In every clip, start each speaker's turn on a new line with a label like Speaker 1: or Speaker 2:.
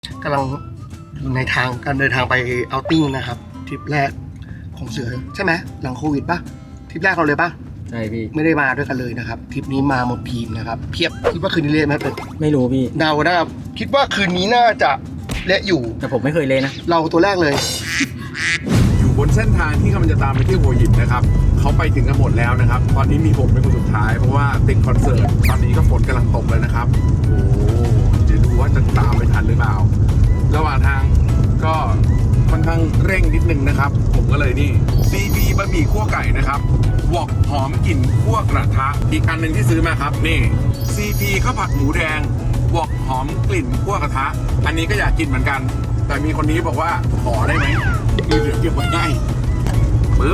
Speaker 1: กำลังในทางการเดินทางไปเอาท์ติ้งนะครับทริปแรกของเสือใช่ไหมหลังโควิดป่ะทริปแรกเราเลยป่ะ
Speaker 2: ใช่พี่
Speaker 1: ไม่ได้มาด้วยกันเลยนะครับทริปนี้มาหมดทีมนะครับเพียบคิดว่าคืนนี้เละไหมเป็ด
Speaker 2: ไม่รู้พี่
Speaker 1: เดานะครับคิดว่าคืนนี้น่าจะเละอยู่
Speaker 2: แต่ผมไม่เคยเลยนะ
Speaker 1: เราตัวแรกเลย
Speaker 3: อยู่บนเส้นทางที่กำลังจะตามไปที่หัวหินนะครับเขาไปถึงกันหมดแล้วนะครับตอนนี้มีผมเป็นคนสุดท้ายเพราะว่าติดคอนเสิร์ตตอนนี้ก็ฝนกำลังตกเลยนะครับโอ้เดี๋ยวดูว่าจะตามไปทันหรือเปล่าระหว่างทางก็ค่อนข้างเร่งนิดนึงนะครับผมก็เลยนี่ CB บะหมี่คั่วไก่นะครับวอกหอมกลิ่นคั่วกระทะอีกอันหนึ่งที่ซื้อมาครับนี่ CP ข้าวผัดหมูแดงวอกหอมกลิ่นคั่วกระทะอันนี้ก็อยากกินเหมือนกันแต่มีคนนี้บอกว่าขอได้ไหมมีเหลือเก็บไว้ให้ปึ๊บ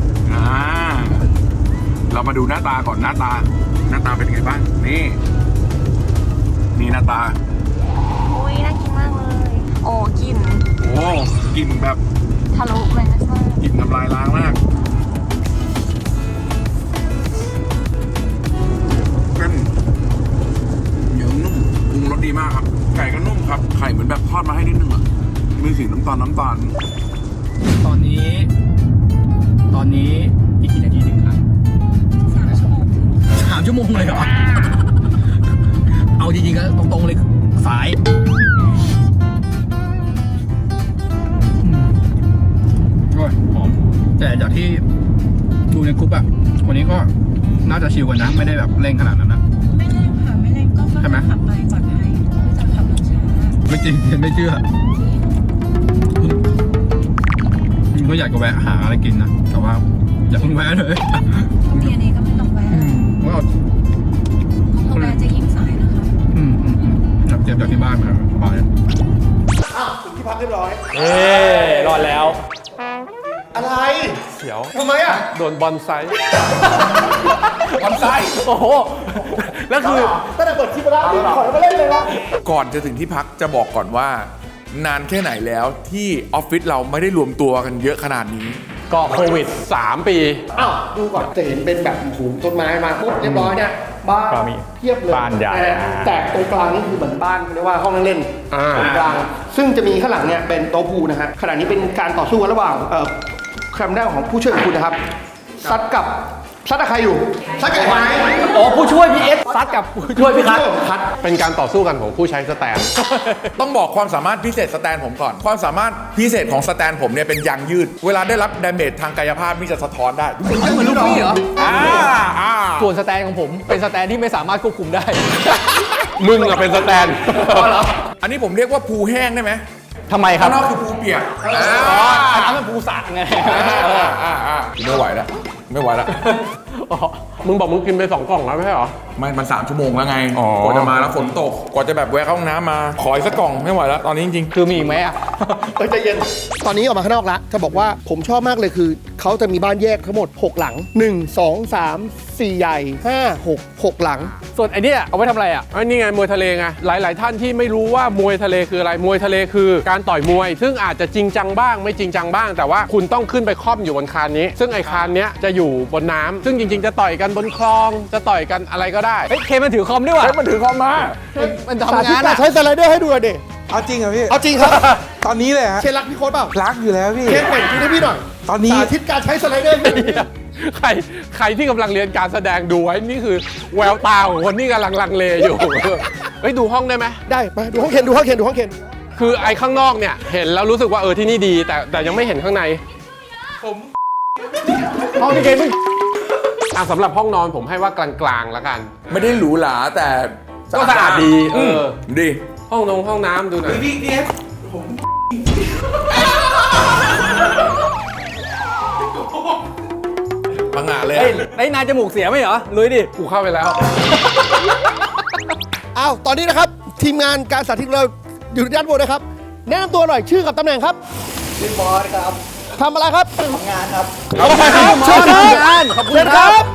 Speaker 3: เรามาดูหน้าตาก่อนหน้าตาเป็นไงบ้างนี่หน้าตา
Speaker 4: โอ้ยน่ากินมากเลยโอ้กลิ่น
Speaker 3: กลิ่นแบบ
Speaker 4: ทะลุเลยนะจ๊ะ
Speaker 3: กลิ่นน้ำลายล้างมากเส้นเหนียวนุ่มปรุงรสดีมากครับไก่ก็นุ่มครับไข่เหมือนแบบทอดมาให้นิดนึงอ่ะมีสีน้ำตาล
Speaker 2: ตอนนี้อีกกี่นาทีถึงครับ3 ชั่วโมงเลยเหรอเอาจริงๆก็ตรงๆเลยสายอร่อยหอมแต่จากที่ดูในกรุ๊ปอะวันนี้ก็น่าจะชิลกันนะไม่ได้แบบเร่งขนาดนั้นนะ
Speaker 4: ไม่เร่งค่ะไม่เร่งก็ค่อยๆขับไปปลอดภัยไม่จะขับรถช้า
Speaker 2: ไม่จริงไม่เชื่อก็อยากจะแวะหาอะไรกินนะแต่ว่าอย่าเพิ่งแวะเลย
Speaker 4: เรียนเองก็ไม่ต้องแวะ
Speaker 2: ว่า
Speaker 4: เพราะแวะจะยิ่งสายนะคะ
Speaker 2: จับเจ็บจากที่บ้านมาสบาย
Speaker 1: ถึงที่พักเรียบร้อย
Speaker 5: รอดแล้ว
Speaker 1: อะไร
Speaker 5: เสียว
Speaker 1: ทำไมอ่ะ
Speaker 5: โดนบอลไซ
Speaker 3: โอ้โห
Speaker 5: แล้วคือ
Speaker 1: ตั้งแต่เปิดคลิปแล้วขอมาเล่นเลยนะ
Speaker 3: ก่อนจะถึงที่พักจะบอกก่อนว่านานแค่ไหนแล้วที่ออฟฟิศเราไม่ได้รวมตัวกันเยอะขนาดนี้
Speaker 5: ก็โควิด3 ปี
Speaker 1: ดูก่อนจะเห็นเป็นแบบหูต้นไม้มาปุ๊บเรียบร้อยเนี่ยบ้านเทียบเลย
Speaker 5: บ้านใหญ่
Speaker 1: แต่ตรงกลางนี่คือเหมือนบ้านเรียกว่าห้องนั่งเล่นตรงกลางซึ่งจะมีข้างหลังเนี่ยเป็นโต๊ะพูลนะฮะขณะนี้เป็นการต่อสู้กันระหว่างแคมป์ด้านของผู้ช่วยของคุณนะครับซัดกับใครอยู่ซัดกับไหม
Speaker 5: ผู้ช่วยพี่เอสซัดกับผู้ช่วยพี่คัทเป็นการต่อสู้กันของผู้ใช้สแตน
Speaker 3: ต้องบอกความสามารถพิเศษสแตนผมก่อนความสามารถพิเศษของสแตนผมเนี่ยเป็นยางยืดเวลาได้รับดาเมจทางกายภาพนี่จะสะท้อนได้
Speaker 2: เหมือนลูกพี่เหรอ
Speaker 5: ส่วนสแตนของผมเป็นสแตนที่ไม่สามารถควบคุมได้มึงอะเป็นสแตน
Speaker 3: อันนี้ผมเรียกว่าภูแห้งได้ไหม
Speaker 5: ทำไมครับ
Speaker 3: ข้างนอกคือภูเปียก
Speaker 5: อันนั้นมันภูสระไง
Speaker 3: ไม่ไหวแล้ว
Speaker 5: มึงบอกมึงกินไป2 กล่องแล้วไม่ใช่เหรอ
Speaker 3: มัน3 ชั่วโมงแล้วไงกว่าจะมาแล้วฝนตกกว่าจะแบบแวะเข้าห้องน้ำมาขออีกสักกล่องไม่ไหวแล้วตอนนี้จริงๆ
Speaker 5: คือมีอีกไหม
Speaker 1: ใจเย็นตอนนี้ออกมาข้างนอกแล้วจะบอกว่าผมชอบมากเลยคือเขาจะมีบ้านแยกทั้งหมด6หลัง1 2 3 4ใหญ่5 6หลัง
Speaker 5: ส่วนไอ้นี่เอาไว้ทำอะไรอ่ะนี่ไงมวยทะเลไงหลายท่านที่ไม่รู้ว่ามวยทะเลคืออะไรมวยทะเลคือการต่อยมวยซึ่งอาจจะจริงจังบ้างไม่จริงจังบ้างแต่ว่าคุณต้องขึ้นไปค่อมอยู่บนคานนี้ซึ่งไอ้คานนี้จะอยู่บนน้ำซึ่งจริงๆจะต่อยกันบนคลองจะต่อยกันอะไรก็ได้
Speaker 2: เคมันถือคอมด้วยว่ะ
Speaker 3: มันถือคอมมา
Speaker 1: มันทำงานใช้สไลเดอร์ให้ดูเด็ก
Speaker 6: เอาจริงเหรอพี่
Speaker 1: เอาจริงครับ
Speaker 6: ตอนนี้เลยฮะ
Speaker 1: เชนรักพี่โค้ดเปล่า
Speaker 6: รักอยู่แล้วพี่
Speaker 1: เชนเปิดดูให้พี่หน่อย
Speaker 6: ตอนนี้
Speaker 1: สาธิตการใช้สไลเดอร์
Speaker 5: ใครที่กำลังเรียนการแสดงดูไว้นี่คือแววตาของคนที่กำลังลังเลอยู่ดูห้องได้ไหม
Speaker 1: ได้มาดูห้องเคน
Speaker 5: คือไอ้ข้างนอกเนี่ยเห็นแล้วรู้สึกว่าที่นี่ดีแต่ยังไม่เห็นข้างในห้องที่เคนสำหรับห้องนอนผมให้ว่ากลางๆแล้วกัน
Speaker 3: ไม่ได้หรูหราแต่
Speaker 5: ก็สะอาดดี
Speaker 3: ดี
Speaker 5: ห้องน้ำดูหน่อย
Speaker 6: พี่ผม
Speaker 3: พังงาเลย
Speaker 2: นายจมูกเสียไหมเหรอลุยดิ
Speaker 5: กูเข้าไปแล้ว
Speaker 1: ตอนนี้นะครับทีมงานการสาธิตเราอยู่ด้านบนนะครับแนะนำตัวหน่อยชื่อกับตำแหน่งครับ
Speaker 6: ชื่อบอสครับ
Speaker 1: ทำอะไรครับ
Speaker 6: ทำงานครับ
Speaker 1: เชิญครับขอบคุณครับ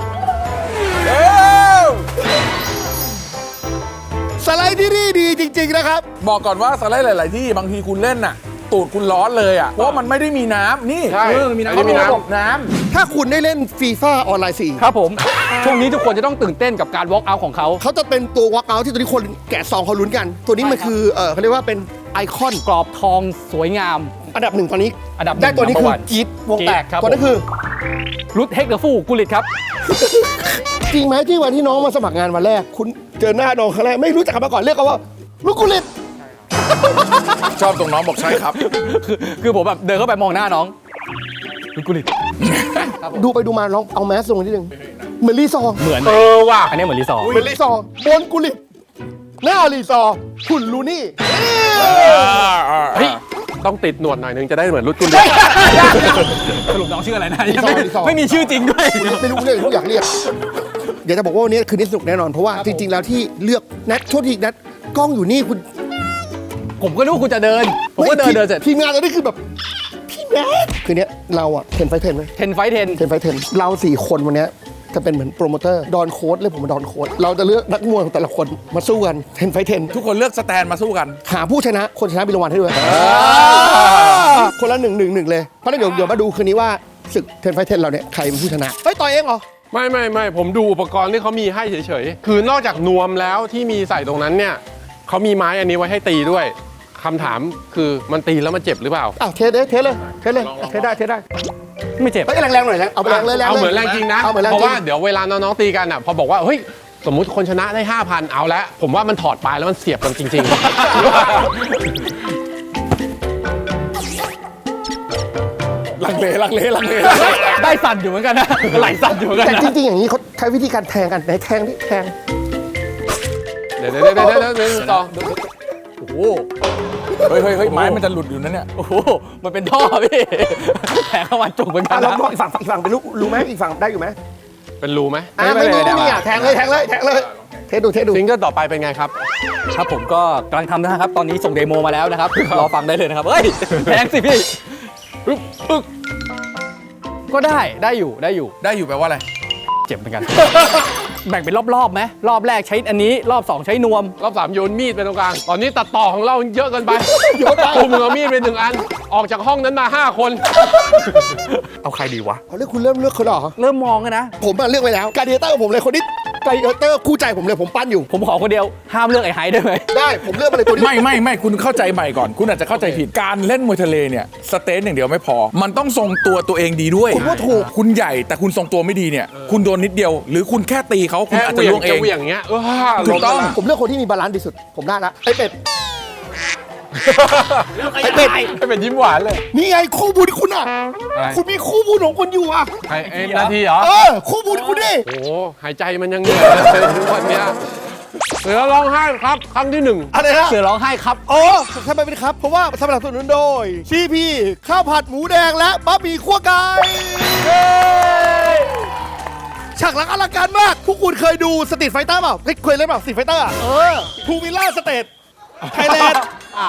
Speaker 1: สไลด์ที่นี่ดีจริงๆนะครับ
Speaker 3: บอกก่อนว่าสไลด์หลายๆที่บางทีคุณเล่นน่ะตูดคุณร้อนเลยอ่ะเพราะมันไม่ได้มีน้ำนี่
Speaker 5: มีน้
Speaker 1: ำถ้าคุณได้เล่นฟีฟ่าออนไลน์4
Speaker 2: ครับผมช่วงนี้ทุกคนจะต้องตื่นเต้นกับการ walk out ของเขา
Speaker 1: จะเป็นตัว walk out ที่ตอนนี้คนแกะซองเขาลุ้นกันตัวนี้มันคือเขาเรียกว่าเป็นไอคอน
Speaker 2: กรอบทองสวยงาม
Speaker 1: อันดับหนึ่งตอนนี้
Speaker 2: อันดับหนึ่ง
Speaker 1: ได้ตัวนี้คือ
Speaker 2: number one
Speaker 1: จี๊ดวงแตก
Speaker 2: จี๊ดครับ
Speaker 1: ตัวนั้นคือ
Speaker 2: รุดเฮกเดอร์ฟูกุลิตครับ
Speaker 1: จริงไหมที่วันที่น้องมาสมัครงานวันแรก คุณเจอหน้าน้องครั้งแรกไม่รู้จักกันมาก่อนเรียกเขาว่าลูกกุลิต
Speaker 3: ชอบตรงน้องบอกใช่ครับ
Speaker 2: คือผมแบบเดินเข้าไปมองหน้าน้องรุดกุลิต
Speaker 1: ดูไปดูมาลองเอาแมสลงนิดนึงเหมือนรีซอร์
Speaker 2: เหมือน
Speaker 5: ว่ะ
Speaker 2: อันนี้เหมือนรีสอร์ท
Speaker 1: เหมือนรีซอร์บนกุลิตหน้ารีซอร์คุณลูนี่
Speaker 5: เฮ้ยต้องติดหนวดหน่อยนึงจะได้เหมือนรุ่นคุณ
Speaker 2: สรุปน้องชื่ออะไรนะ
Speaker 1: รีสอร์ทรีสอร์ท
Speaker 2: ไม่มีชื่อจริงด้วย
Speaker 1: ไม่รู้เรื่องอยากเรียกเดี๋ยวจะบอกว่าวันนี้คืนนี้สนุกแน่นอนเพราะว่าจริง ๆ แล้วที่เลือกนัดโทษทีนัดกล้องอยู่นี่คุณ
Speaker 2: ผมก็นึกว่าคุณจะเดิน ผมก็เดินเสร็จ
Speaker 1: ทีมงานตอนนี้คือแบบพี่แมทคืนนี้เราอะเทนไฟเทนไหม
Speaker 2: 10 ไฟท์ 10
Speaker 1: เทนไฟเทนเรา4 คนวันนี้จะเป็นเหมือนโปรโมเตอร์ดอนโค้ดเลยผมมาดอนโค้ดเราจะเลือกนักมวยของแต่ละคนมาสู้กันเทนไฟเทน
Speaker 3: ทุกคนเลือกสแตนมาสู้กัน
Speaker 1: หาผู้ชนะคนชนะมีรางวัลให้ด้วยคนละ1-1-1เลยเพราะฉะนั้นเดี๋ยวมาดูคืนนี้ว่าศึกเทนไฟเทนเราเนี่ยใครเป็นผู้ชนะเฮ้ยต่อยเองเหรอ
Speaker 5: ไม่ผมดูอุปกรณ์ที่เขามีให้เฉยๆ คือนอกจากนวมแล้วที่มีใส่ตรงนั้นเนี่ยเขามีไม้อันนี้ไว้ให้ตีด้วยคำถามคือมันตีแล้วมันเจ็บหรือเปล่า
Speaker 1: อ้าวเทสเลยเทสได้เทสได้
Speaker 2: ไม่เจ็บ
Speaker 1: เฮ้ยแรงๆหน่อยแรงเอาไปแรงเลยแรง
Speaker 5: เอาเหมือนแรงจริงนะ
Speaker 1: เอาเหมือนแรง
Speaker 5: เพราะ
Speaker 1: จริ
Speaker 5: ว่าง เดี๋ยวเวลาน้องๆตีกันอ่ะพอบอกว่าเฮ้ยสมมุติคนชนะได้ 5,000 เอาละผมว่ามันถอดปลายแล้วมันเสียบกันจริง
Speaker 3: ลังเล
Speaker 2: ได้สั่นอยู่เหมือนกันนะไหลสั่นอยู่เหมือนกัน
Speaker 1: แต่
Speaker 2: นะ
Speaker 1: จริงๆอย่างนี้เขาใช้วิธีการแทงกันไหนแทงที่แทง
Speaker 5: ๆ เดี๋ยวต่อ
Speaker 2: โอ้โห
Speaker 3: เฮ้ยไม้มันจะหลุดอยู่นั่นเนี่ย
Speaker 2: โอ้โห มันเป็นท่อพี่แผลเข้ามาจุกเหมือนกั
Speaker 1: อ่ะ
Speaker 2: น
Speaker 1: ลอง
Speaker 2: นะ
Speaker 1: มองอีกฝั่งเป็นรู้ไหมอีกฝั่งได้อยู่ไหม
Speaker 5: เป็นรูไหม
Speaker 1: อ่ะไม่รู้นี่อ่ะแทงเลยเทสดู
Speaker 5: ซิงเกิลต่อไปเป็นไงครับ
Speaker 2: ครับผมก็กำลังทำนะครับ ตอนนี้ส่งเดโมมาแล้วนะครับ รอฟังได้เลยนะครับ เฮ้ยแพงสิพี่ปึ๊กก็ได้อยู่
Speaker 3: ได้อยู่แปลว่าอะไร
Speaker 2: เจ็บเหมือนกัน แบ่งเป็นรอบๆไหมรอบแรกใช้อันนี้รอบ 2 ใช้นวม
Speaker 5: รอบ3โยนมีดไปตรงกลาง ตอนนี้ตัดต่อของเราเยอะเกินไปกูมึงเอามีดไป1 อัน ออกจากห้องนั้นมา 5 คน
Speaker 2: เอาใครดีวะ
Speaker 1: เอาเลือกคุณเริ่มเลือกคนเหรอ
Speaker 2: เริ่มมองกันนะ
Speaker 1: ผมเลือกไปแล้วการเดเตอร์ของผมเลยคนนี้การเดเตอร์คู่ใจผมเลยผมปั้นอยู่
Speaker 2: ผมขอคนเดียวห้ามเลือกไอ้ไฮได้ไหม
Speaker 1: ได้ผมเลือกมาเลยตัวนี้
Speaker 3: ไม่คุณเข้าใจใหม่ก่อน คุณอาจจะเข้าใจผิดการเล่นมวยทะเลเนี่ยสเตนอย่างเดียวไม่พอ มันต้องทรงตัวเองดีด้วย
Speaker 1: ผมว่าถูก
Speaker 3: คุณใหญ่แต่คุณทรงตัวไม่ดีเนี่ยคุณโดนนิดเดียว หรือคุณแค่ตีเขาคุณ
Speaker 5: แค่
Speaker 3: อาจ
Speaker 5: เห
Speaker 3: จะ
Speaker 5: วี่ย
Speaker 3: ล่
Speaker 5: ง
Speaker 3: วงเอ
Speaker 5: จะ
Speaker 3: ง
Speaker 5: เหวี่ยงเงี้ย
Speaker 3: ถูกต้อง
Speaker 1: ผมเลือกคนที่มีบาลานซ์ที่สุด ผมได้ละไอ้เป็ด
Speaker 5: ไอ้เป็นยิ้มหวานเลย
Speaker 1: นี่ไงคู่บุญคุณอ่ะ
Speaker 5: อะไร
Speaker 1: คุณมีคู่บุญของคุณอยู่อ่ะ
Speaker 5: ไอ้นาทีเหรอ
Speaker 1: คู่บุญคุณดิ
Speaker 5: โอ้โหหายใจมันยังเหนื่อยเลยทุกวันเนี้ยเสือร้องไห้ครับครั้งที่
Speaker 1: อะไรนะ
Speaker 2: เสือร้องไห้ครับ
Speaker 1: โอ้ทำไมเป็นครับ เพราะว่าสนับสนุนโดยซีพีข้าวผัดหมูแดงและบะหมี่คั่วไก่ฉากหลังอลังการมากพวกคุณเคยดูสตรีทไฟเตอร์เปล่าเคยเล่นเปล่าสตรีทไฟเตอร์ทูวิลล่าสเตทไทยแลนด์
Speaker 2: อ้าว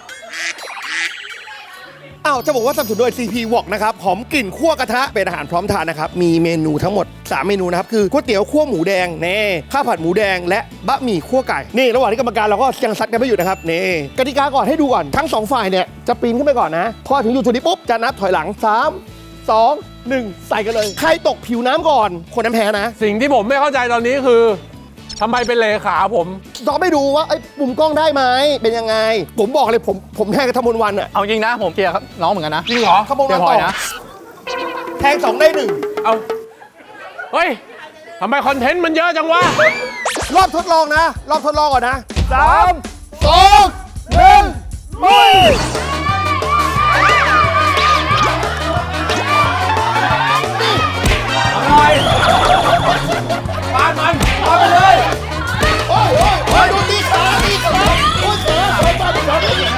Speaker 1: อ้าวจะบอกว่าสนับสนุนโดย CP Wok นะครับหอมกลิ่นคั่วกระทะเป็นอาหารพร้อมทานนะครับ มีเมนูทั้งหมด 3 เมนูนะครับ คือก๋วยเตี๋ยวคั่วหมูแดงเน่ข้าวผัดหมูแดงและบะหมี่คั่วไก่ นี่ระหว่างที่กรรมการเราก็ยังซัดกันไม่หยุดนะครับนี่กติกาก่อนให้ดูก่อนทั้ง 2 ฝ่ายเนี่ยจะปีนขึ้นไปก่อนนะ พอถึงจุดนี้ปุ๊บ จะนับถอยหลัง 3 2 1 ใส่กันเลย ใครตกผิวน้ำก่อน คนนั้นแพ้นะ
Speaker 5: สิ่งที่ผมไม่เข้าใจตอนนี้คือทำไมเป็นเลขาผม
Speaker 1: ต้องไปดูว่าไอ้ปุ่มกล้องได้ไหมเป็นยังไง ผมบอกเลยผมแทงกับธมนวันอะ
Speaker 2: เอาจริงนะผมเชียร์ครับน้องเหมือนกันนะ
Speaker 5: จริงเหรอ
Speaker 1: ธมน
Speaker 2: เชี
Speaker 1: วั
Speaker 2: ย
Speaker 1: น
Speaker 2: ร์พล
Speaker 1: ต่
Speaker 2: อย
Speaker 1: อ
Speaker 2: นะ
Speaker 1: แทง2ได้
Speaker 5: เอาเฮ้ยทำไมคอนเทนต์มันเยอะจังวะ
Speaker 1: 1รอบทดลองนะรอบทดลองก่อนนะ3 2 1ลุย โอ้ยดูตีขาโอ้ยเสือมาดิ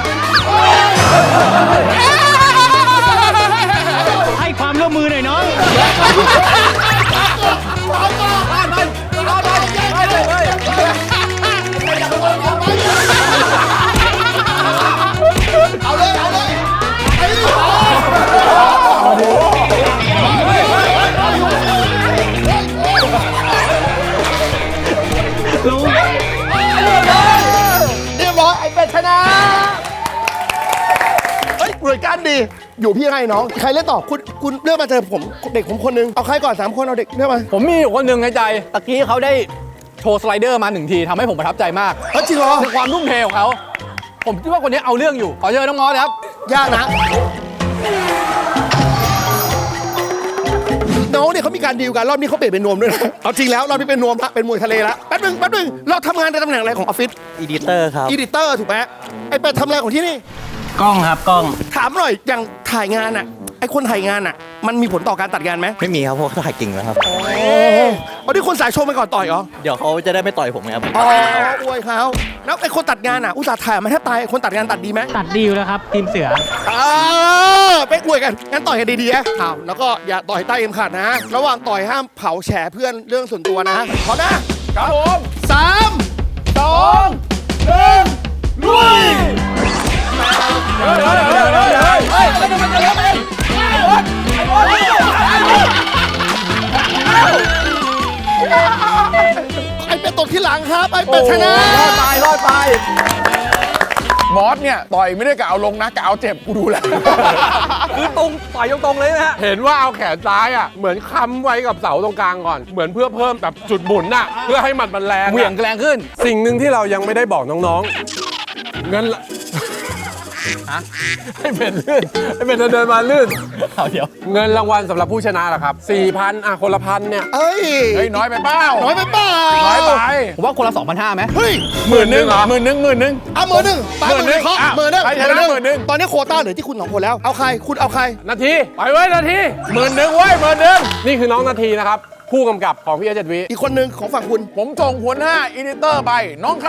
Speaker 2: ให้ความร่วมมือหน่อยน้อง
Speaker 1: เอาเลยเรียบร้อยไอ้เป็ดชนะเฮ้ยหน่วยการดีอยู่พี่ให้น้องใครเล่นต่อคุณเลือกมาเจอผมเด็กผมคนนึงเอาใครก่อน3 คนเอาเด็กเลือกมา
Speaker 2: ผมมีอยู่คนหนึ่งในใจตะกี้เขาได้โชว์สไลเดอร์มา1 ทีทำให้ผมประทับใจมาก
Speaker 1: เฮ้ยจริงเหรอ
Speaker 2: ในความทุ่มเทของเขาผมคิดว่าคนนี้เอาเรื่องอยู่ ขอเชิญน้องมอสเลยครับ
Speaker 1: ยากนะน้องเนี่ยเขามีการดีลกันรอบนี้เขาเปลี่ยนเป็นนวมด้วยนะเอาจริงแล้วรอบนี้เป็นนวมละเป็นมวยทะเลละแป๊บนึงเราทำงานในตำแหน่งอะไรของออฟฟิศ
Speaker 6: อีดิเตอร์ครับ
Speaker 1: อีดิเตอร์ถูกไหมไอ้เป็ดทำอะไรของที่นี่
Speaker 6: กล้องครับกล้อง
Speaker 1: ถามหน่อยอย่างถ่ายงานอ่ะไอ้คนถ่ายงานอ่ะมันมีผลต่อการตัดงานไหม
Speaker 6: ไม่มีครับเพราะเขาถ่ายกิ่งแล้วครับ
Speaker 1: เอาที่คนสายโชว์ไปก่อนต่อยเหรอ
Speaker 6: เดี๋ยวเขาจะได้ไม่ต่อยผมครับ
Speaker 1: อ๋ออวยเขาแล้วไอ้คนตัดงานอ่ะอุตส่าห์ถ่ายมาแทบตายคนตัดงานตัดดีไหม
Speaker 7: ตัดดีอยู่แล้วครับ ทีมเสือ
Speaker 1: ไปอวยกันงั้นต่อยกันดีๆนะอ้าวแล้วก็อย่าต่อยใต้เอ็มขาดนะ ระหว่างต่อยห้ามเผาแฉเพื่อนเรื่องส่วนตัวนะพร้อมนะครับผม3 2 1ลุยไอ้เป็ดตกที่หลังครับไอ้เป็ดชนะ
Speaker 3: รอดไปมอสเนี่ยต่อยไม่ได้กะเอาลงนะกะเอาเจ็บกูดูแล้ว
Speaker 2: คือตรงต่อยตรงๆเลยนะฮะ
Speaker 5: เห็นว่าเอาแขนซ้ายอ่ะเหมือนค้ำไว้กับเสาตรงกลางก่อน เหมือนเพื่อเพิ่มแบบจุดหมุนน่ะเพื่อให้หมัดมันแรง
Speaker 2: เหวี่ยงแรงขึ้น
Speaker 5: สิ่งหนึ่งที่เรายังไม่ได้บอกน้องๆเงินละให้เป็นลื่นให้เป็นเดินมาลื่น
Speaker 2: เอาเดี๋ยว
Speaker 5: เงินรางวัลสำหรับผู้ชนะล่ะครับ 4,000 อ่ะคนละพันเนี่ย
Speaker 1: เอ้ย
Speaker 3: เฮ้ยน้อยไปเปล่า
Speaker 1: น้อยไปเปล่า
Speaker 3: น้อยไป
Speaker 2: ผมว่าคนละ 2,500ไหม
Speaker 1: เฮ้ย
Speaker 3: หมื่นหนึ่งหมื่นหนึ่ง
Speaker 1: เอามือหนึ่งตายมือหนึ่ง
Speaker 3: อ่ะ
Speaker 1: มือหนึ่ง
Speaker 3: ใครชนะหมื่นหนึ่ง
Speaker 1: ตอนนี้โควต้าเหลือที่คุณ2 คนแล้วเอาใครคุณเอาใคร
Speaker 5: นาทีไปเว้ยนาที
Speaker 3: หมื่นหนึ่งเว้ยหมื่นหนึ่ง
Speaker 5: นี่คือน้องนาทีนะครับ ผู้กำกับของพี่เอเจ็ดวิ
Speaker 1: อีกคนหนึ่งของฝั่งคุณ
Speaker 3: ผมส่งหัวหน้าอีดิเตอร์ไปน้องเค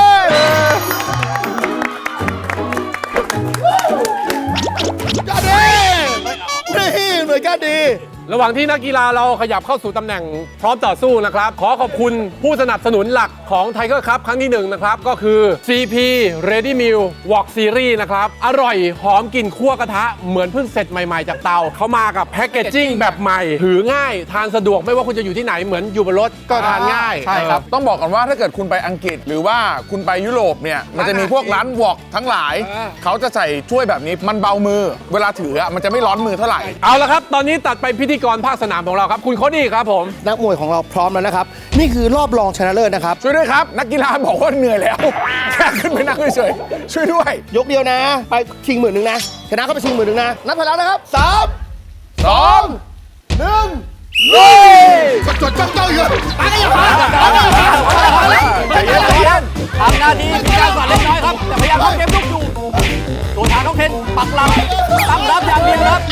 Speaker 1: ยอดดีนี่หน่วยก้านดี
Speaker 5: ระหว่างที่นักกีฬาเราขยับเข้าสู่ตำแหน่งพร้อมต่อสู้นะครับ ขอขอบคุณผู้สนับสนุนหลักของ Tiger Cup ครั้งที่ 1 นะครับ ก็คือ CP Ready Meal Wok Series นะครับ อร่อยหอมกลิ่นคั่วกระทะ เหมือนเพิ่งเสร็จใหม่ๆจากเตา เขามากับแพคเกจจิ้งแบบใหม่ ถือง่ายทานสะดวกไม่ว่าคุณจะอยู่ที่ไหนเหมือนอยู่บนรถก็ทานง่าย
Speaker 2: ใช่ครับ
Speaker 3: ต้องบอกก่อนว่าถ้าเกิดคุณไปอังกฤษหรือว่าคุณไปยุโรปเนี่ยมันจะมีพวกร้านวอกทั้งหลาย เขาจะใส่ถ้วยแบบนี้มันเบามือ เวลาถืออะมันจะไม่ร้อนมือเท่าไหร่
Speaker 5: เอาละครับ ตอนนี้ตัดไปพิธีกรภาคสนามของเราครับ คุณโคดี้ครับผม
Speaker 1: นักมวยของเราพร้อมแล้วนะครับ นี่คือรอบรองชนะเลิศนะครับ
Speaker 3: ช่วยด้วยครับ นักกีฬาบอกว่าเหนื่อยแล้ว แค่ขึ้นไปนั่งเฉยๆช่วยด้วย
Speaker 1: ยกเดียวนะ ไปชิงหมื่นหนึ่งนะชนะเข้าไปชิงหมื่นหนึ่งนะนับไปแล้วนะครับ3 2 1ลุยจดจ้องอยู่ไปกันอย่าพลาด
Speaker 3: ใจเย็นใจเย็น
Speaker 2: ทำหน้าที่มีการสั่นเล็กน้อยครับ แต่พยายามเข้าเกมลุกอยู่ตัวทางน้องเทนปักหลักตั้งรับอย่างเดียวครับ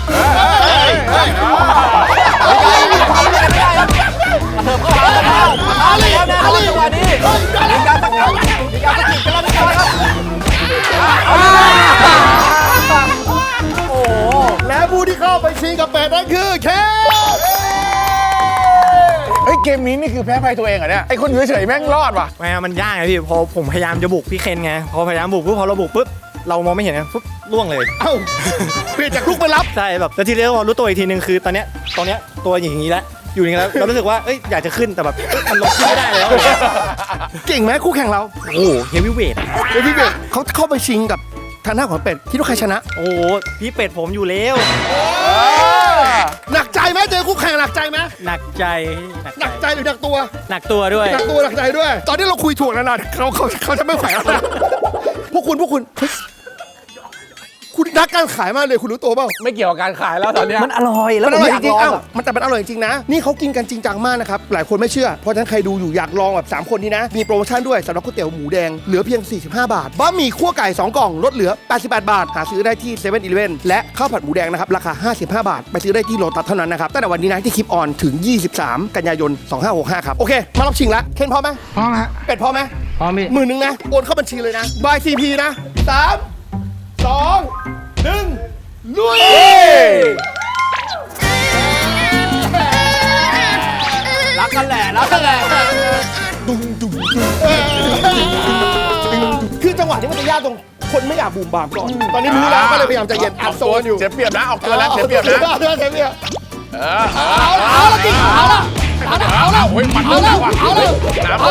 Speaker 2: ไม่ได้ครับกระเถิบเข้าหาแล้วแล้วแน่นอนจังหวะนี้มีการสกัดมีการสกิดกันแล้วนะครับโอ้โห
Speaker 1: และผู้ที่เข้าไปชิงกับเป็ดนั่นคือเค
Speaker 3: เฮ้ยเกมนี้นี่คือแพ้ภัยตัวเองเหรอเนี่ยไอคนอยู่เฉยๆแม่งรอดว่ะ
Speaker 6: ไม่ครับมันยากไงพี่พอผมพยายามจะบุกพี่เคนไงพอพยายามบุกปุ๊บพอเราบุกปุ๊บเรามองไม่เห็นไงปุ๊บล่วงเลย
Speaker 1: เอ้าเปลี่ยนจากลูกไปรับ
Speaker 6: ใช่แบบแล้วทีนี้พอรู้ตัวอีกทีนึงคือตอนเนี้ยตัวอย่างนี้แล้วอยู่อย่างนี้แล้วเรารู้สึกว่าเอ้ยอยากจะขึ้นแต่แบบมันลงขึ้นไม่ได้แล้ว
Speaker 1: เก่งไหมคู่แข่งเรา
Speaker 6: โอ้โหเฮฟวีเวท
Speaker 1: เดี๋ยวพี่เป็ดเขาเข้าไปชิงกับทางหน้าของเป็ดคิดว่าใครชนะ
Speaker 6: โอ้โหพี่เป็ดผมอยู่แล้ว
Speaker 1: หนักใจไหมเจอคู่แข่งหนักใจไหม
Speaker 6: หนักใจ
Speaker 1: หนักใจหรือหนักตัว
Speaker 6: หนักตัวด้วย
Speaker 1: หนักตัวหนักใจด้วย ตอนนี้เราคุยถ่วงนานๆเขาจะไม่ไหวแล้วนะพวกคุณเฮ้ยคุณรักการขายมากเลยคุณรู้ตัวเปล่า
Speaker 5: ไม่เกี่ยวกับการขายแล้วตอนเนี้ย
Speaker 6: มันอร่อยแล้ว
Speaker 1: มันอร่อยจริงๆ
Speaker 6: ๆ
Speaker 1: อ้าวมันแต่มันอร่อยจริงๆนะ นี่เขากินกันจริงจังมากนะครับ หลายคนไม่เชื่อ เพราะฉะนั้นใครดูอยู่อยากลองแบบ3คนนี้นะ มีโปรโมชั่นด้วยสำหรับก๋วยเตี๋ยวหมูแดง เหลือเพียง 45 บาท บะหมี่คั่วไก่ 2 กล่อง ลดเหลือ 88 บาท หาซื้อได้ที่7 e เ e ่ e อและข้าวผัดหมูแดงนะครับ ราคา 55 บาท ไปซื้อได้ที่โลตัสเท่านั้นนะครับ ตั้งแต่วันนี้นะที่คลิปออนถึง 23 กันยายน 2565 ครับ โอเค มารอบชิงละเคนพร้อมไหม
Speaker 7: พร้อมฮะ
Speaker 1: เป็ดพร้อมไหม
Speaker 7: พร้อมพี่
Speaker 1: หมื่นหนึ่งนะ โอนเข้าบัญชีเลยนะ บาย CP นะ 3 2 1 ลุย
Speaker 2: รักกันแหละรักกันแหละ
Speaker 1: คือจังหวะนี้มันจะยากตรงคนไม่อยากบูมบามก่อน ตอนนี้รู้แล้วก็เลยพยายามใจเย็นอัดโซนอยู่
Speaker 3: เสียเปรียบนะออกตัวนะเสียเปรียบนะ
Speaker 1: เสียเปรียบ
Speaker 3: เอาละจริงเอาละเอาละโอ้ยมันเริ่มแล้วว่ะน้ำเริ่มแตก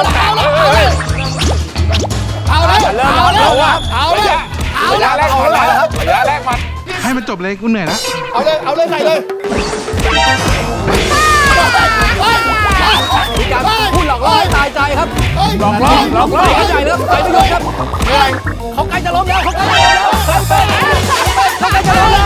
Speaker 1: เอาเลย
Speaker 3: เอาว่ะเอาเลยระยะแรกมันระยะแรกมัน
Speaker 7: ให้มันจบเลยกูเหนื่อยแล้ว
Speaker 1: เอาเลยใส่เลย
Speaker 2: มีการพูดหลอกล่อให้ตายใจครับ
Speaker 5: หลอกล่อหลอกล่อ
Speaker 2: เข้าใจแล้วใจไม่ยอมครับเขาใกล้จะล้มแล้วเขาใกล้จะล้มแล้วเขาใกล้จะล้มแล้ว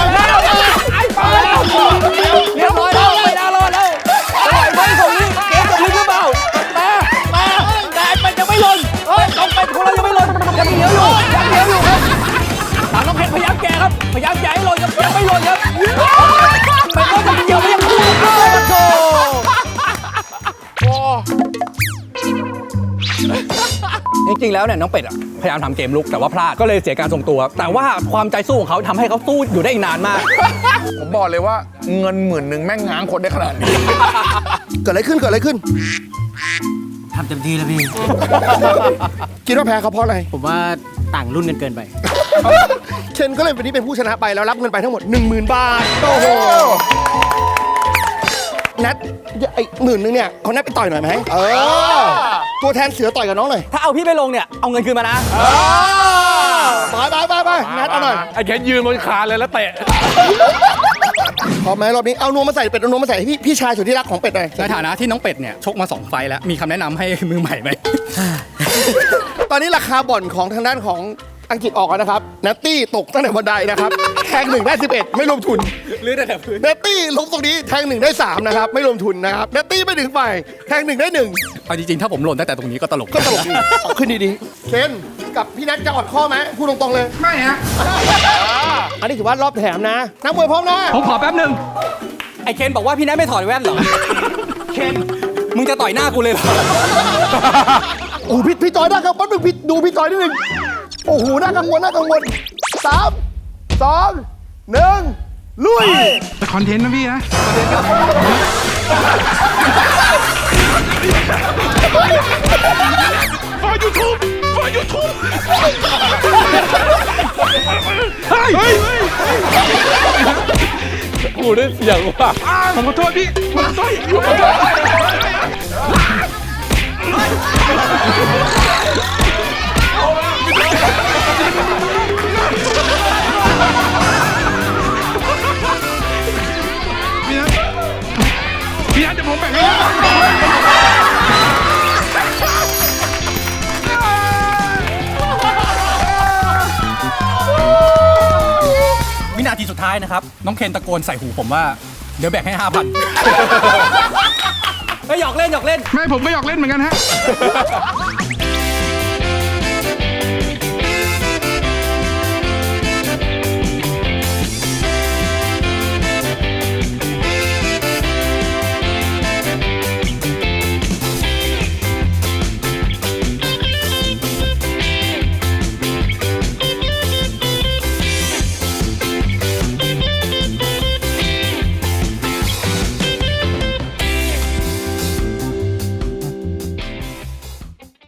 Speaker 2: เรียบร้อยแล้วไม่น่ารอดแล้วไม่ส่งนี้เกมจะพลิกหรือเปล่าแต่มันจะไม่หล่นต้องเป็นของเรายังไม่หล่นยังเหนียวอยู่ครับทางน้องเพชรพยายามแก่ครับพยายามแก่ให้หล่นครับยังไม่หล่นครับเป็นก็จะเกี่ยวไม่ยังจริงๆแล้วเนี่ยน้องเป็ดอะพยายามทำเกมลุกแต่ว่าพลาดก็เลยเสียการทรงตัว แต่ว่าความใจสู้ของเขาทำให้เขาสู้อยู่ได้อีกนานมาก
Speaker 3: ผมบอกเลยว่าเงิน10,000แม่งง้างคนได้ขนาดนี้
Speaker 1: เกิดอะไรขึ้น
Speaker 7: ทำเต็มที่แล้วพี่
Speaker 1: คิดว่าแพ้เขาเพราะอะไร
Speaker 7: ผมว่าต่างรุ่นกันเกินไป
Speaker 1: เคนก็เลยวันนี้เป็นผู้ชนะไปแล้วรับเงินไปทั้งหมด 10,000 บาท โอ้โหนัดไอ้10,000เนี่ยเขานัดไปต่อยหน่อยไหมตัวแทนเสือต่อยกับน้องหน่อย
Speaker 2: ถ้าเอาพี่ไปลงเนี่ยเอาเงินคืนมานะ
Speaker 1: ไปนัดเอาหน่อย
Speaker 5: ไอ้แค่ยืนบนคานเลยแล้วเตะ
Speaker 1: พร้อมไหมรอบนี้เอานวมมาใส่เป็ดเอานวมมาใส่ให้พี่ชายสุดที่รักของเป็ดหน่อย
Speaker 2: ในฐานะที่น้องเป็ดเนี่ยชกมา2 ไฟล์แล้วมีคำแนะนำให้มือใหม่ไหม
Speaker 1: ตอนนี้ราคาบ่อนของทางด้านของอังกฤษออกแล้วนะครับนัตตี้ตกตั้งแต่บันไดนะครับแทง1ได้11ไม่รวมทุน
Speaker 2: หรือแต่พื้น
Speaker 1: นัตตี้ลงตรงนี้แทง1ได้3นะครับไม่รวมทุนนะครับนัตตี้ไม่ถึงไปแทง1ได้1
Speaker 2: เอาจริงๆถ้าผมหล่นตั้งแต่ตรงนี้ก็ตลก
Speaker 1: ก็ตลกดีเอาขึ้นดีๆเคนกับพี่นัทจะอดข้อไหมพูดตรงๆเลยไม่ฮะอันนี้ถือว่ารอบแถมนะนักมวยพร้อมนะ
Speaker 2: ผมขอแป๊บนึงไอเคนบอกว่าพี่นัทไม่ถอดแว่นเหรอเคนมึงจะต่อยหน้ากูเลยเหรอ
Speaker 1: โอ้พี่จอยน่ากังวลพี่ดูพี่จอยนิดนึงโอ้โหน่ากังวล3 2 1ลุย
Speaker 7: แต่คอนเทนต์นะพี่นะ
Speaker 5: กูได้เสียงว่ะ
Speaker 7: ผมขอโทษพี่ ผมขอโทษ พี่นัทเดี๋ยวผมแบ่งให้
Speaker 2: วินาทีสุดท้ายนะครับน้องเคนตะโกนใส่หูผมว่าเดี๋ยวแบ่งให้ 5,000 ไม่หยอกเล่น
Speaker 7: ไม่ผมก็อยากเล่นเหมือนกันฮะ